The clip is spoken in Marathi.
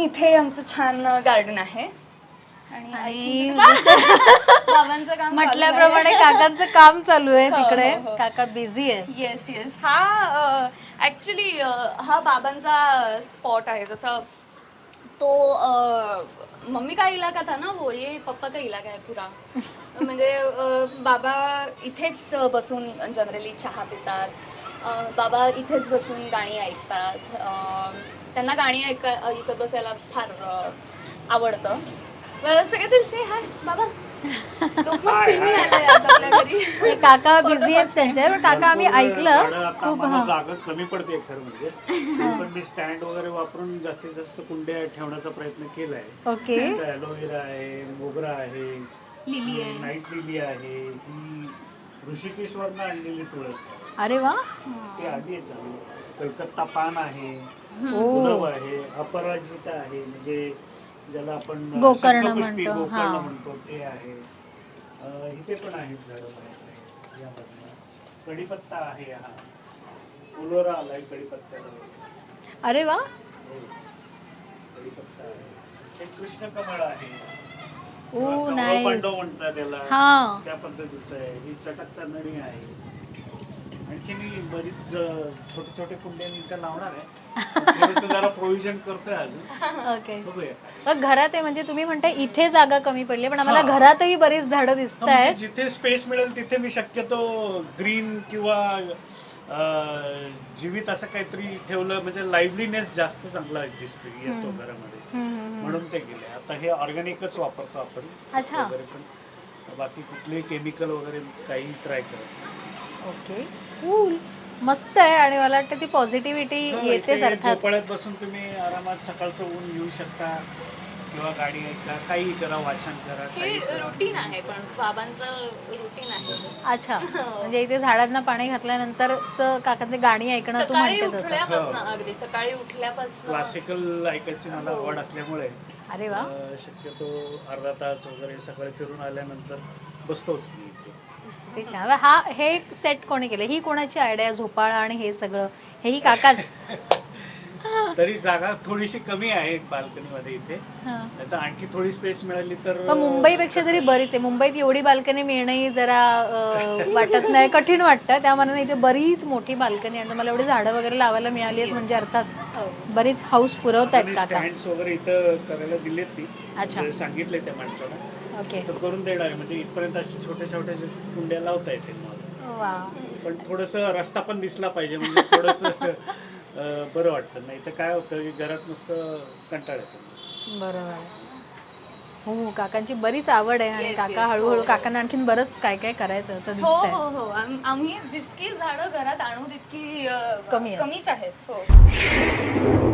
इथे आमचं छान गार्डन आहे आणि बाबांचं काम म्हटल्याप्रमाणे काकांचं काम चालू आहे हो, तिकडे. हो, हो. काका बिझी आहे. Yes yes. हा ऍक्च्युली हा बाबांचा स्पॉट आहे. जसं तो मम्मी का इलाका था ना वो, ये पप्पा का इलाका है पुरा. म्हणजे बाबा इथेच बसून जनरली चहा पितात. बाबा इथेच बसून गाणी ऐकतात. त्यांना गाणी ऐकत बसायला फार आवडतं. सगळे दिल से हाय बाबा. लोकमत फिल्मी आलंय आज आपल्या घरी. काका बिझी आहेत त्यांच्या, पण काका आम्ही ऐकलं खूप. जागा कमी पडते खरं म्हणजे. पण मी स्टँड वगैरे वापरून जास्तीत जास्त कुंड्या ठेवण्याचा प्रयत्न केलाय. ओके. ॲलोवेरा आहे, मोगरा आहे, लिली आहे, नाईट लिली आहे, ही ऋषिकेश्वरनं आणलेली तुळस. अरे वा. ते आधी चालू. कलकत्ता पान आहे, ओ. गुलाब आहे, अपराजिता आहे, म्हणजे ज्याला आपण गोकर्ण शंखपुष्पी, म्हणतो. गोकर्ण हा. म्हणतो ते आहे. इथे पण आहेत झाडं बरेच यामधनं. कढीपत्ता आहे, हा फुलोरा आलाय कढीपत्त्याला. अरे वा. कढीपत्ता आहे. एक कृष्णकमळ आहे. ओ कमळ नाईस. पांडव म्हणतात त्याला. हा. त्या पद्धतीचं आहे. ही चटक चांदणी आहे. आणखी मी बरीच छोटे छोटे कुंड्या इथं लावणार आहे. थोडंसं जरा प्रोव्हिजन करतोय अजून. ओके. बघूया. मग घरात आहे म्हणजे तुम्ही म्हणताय इथे जागा कमी पडली, पण आम्हाला घरातही बरीच झाडं दिसत म्हणजे आहेत. जिथे स्पेस मिळेल तिथे मी शक्यतो ग्रीन किंवा जीवित असं काहीतरी ठेवलं म्हणजे लाईव्हलीनेस जास्त चांगला दिसतो येतो घरामध्ये, म्हणून ते गेले. आता हे ऑर्गॅनिकच वापरतो आपण. अच्छा. वगैरे पण बाकी कुठलेही केमिकल वगैरे काही ट्राय करत. ओके. कूल. मस्त आहे आणि मला वाटतं ती पॉझिटिव्हिटी येतेच अर्थात. झोपाळ्यात बसून तुम्ही आरामात सकाळचं ऊन येऊ शकता किंवा गाडी ऐका, काही करा, वाचन करा. हे काही करा. रुटीन आहे, पण बाबांचं रुटीन आहे. अच्छा. म्हणजे इथे झाडांना पाणी घातल्यानंतरच काकांचे गाणी ऐकणं तू सकाळी म्हणते तसं. उठल्यापासून, अगदी सकाळी उठल्यापासून क्लासिकल ऐकायची मला आवड असल्यामुळे अरे वा. शक्यतो अर्धा तास वगैरे सकाळी फिरून आल्यानंतर बसतोच मी इथे. ते छान. हे सेट कोणी केलं? ही कोणाची आयडिया? झोपाळा आणि हे सगळं हेही काकाच? तरी जागा थोडीशी कमी आहे बाल्कनी मध्ये इथे. हा. आता आणखी थोडी स्पेस मिळाली तर पण मुंबईपेक्षा तरी बरीच आहे. मुंबईत एवढी बाल्कनी मिळणंही जरा वाटत नाही, कठीण वाटतं. त्यामानाने इथे बरीच मोठी बाल्कनी आणि मला एवढी झाडं वगैरे लावायला मिळाली आहेत म्हणजे अर्थात बरीच हाऊस पुरवतायत काका. स्टँड्स वगैरे इथं करायला दिलेत मी. अच्छा. म्हणजे सांगितले त्या माणसाला. ओके. तर करून देणार आहे. म्हणजे इथपर्यंत अशी छोट्या छोट्या कुंड्या लावता येते मला. वा. पण थोडंसं रस्ता पण दिसला पाहिजे म्हणजे थोडंसं बरं वाटतं. नाही तर काय होतं की घरात नुसतं कंटाळ येतो. बरोबर. हो, काकांची बरीच आवड आहे आणि Yes, काका yes. हळूहळू हो. काकांना आणखीन बरंच काय काय करायचं असं हो दिसतंय. हो हो. आम्ही जितकी झाडं घरात आणू तितकी कमी आहेत. कमीच आहेत. हो.